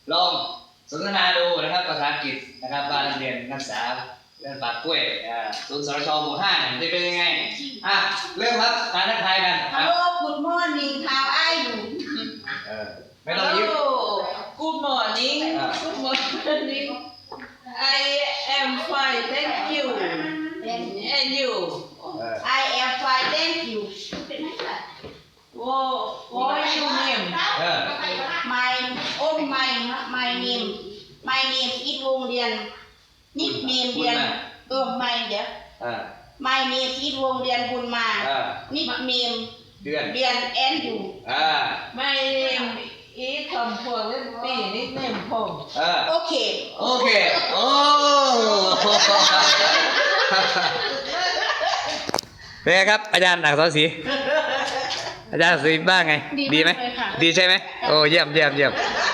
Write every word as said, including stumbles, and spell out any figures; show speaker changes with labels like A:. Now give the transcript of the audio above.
A: ลองสนทนาดูนะครับภาษาอังกฤษนะครับว่านักเรียนนักศึกษาเรื่องปากกล้วยศูนย์สรชหมู่ห้าจะเป็นยังไงอ่ะเริ่มครับการทักทายกัน
B: Hello good morning how are you
A: เออไม่ต้องยิ้ม
B: Good morning Good morning I am fine thank you and you I am fine thank you What what is your name
A: เออ
B: My oh my my name my name is วงเรียน nickname เรียนเออ my เดี๋ยว My name is วงเรียนบุญมา nickname
A: เดือน
B: เรียน and you
A: อ่า
C: My name is คำพวงเล่นปีนิดเนมพง
A: เออ
B: โอเค
A: โอเคโอ้เป็นไงครับอาจารย์อักษรศรีอาจารย์อักษรศรีบ้างไงดีไหมดีใช่ไหมโอ้เยี่ยมเยี่ยมเยี่ยม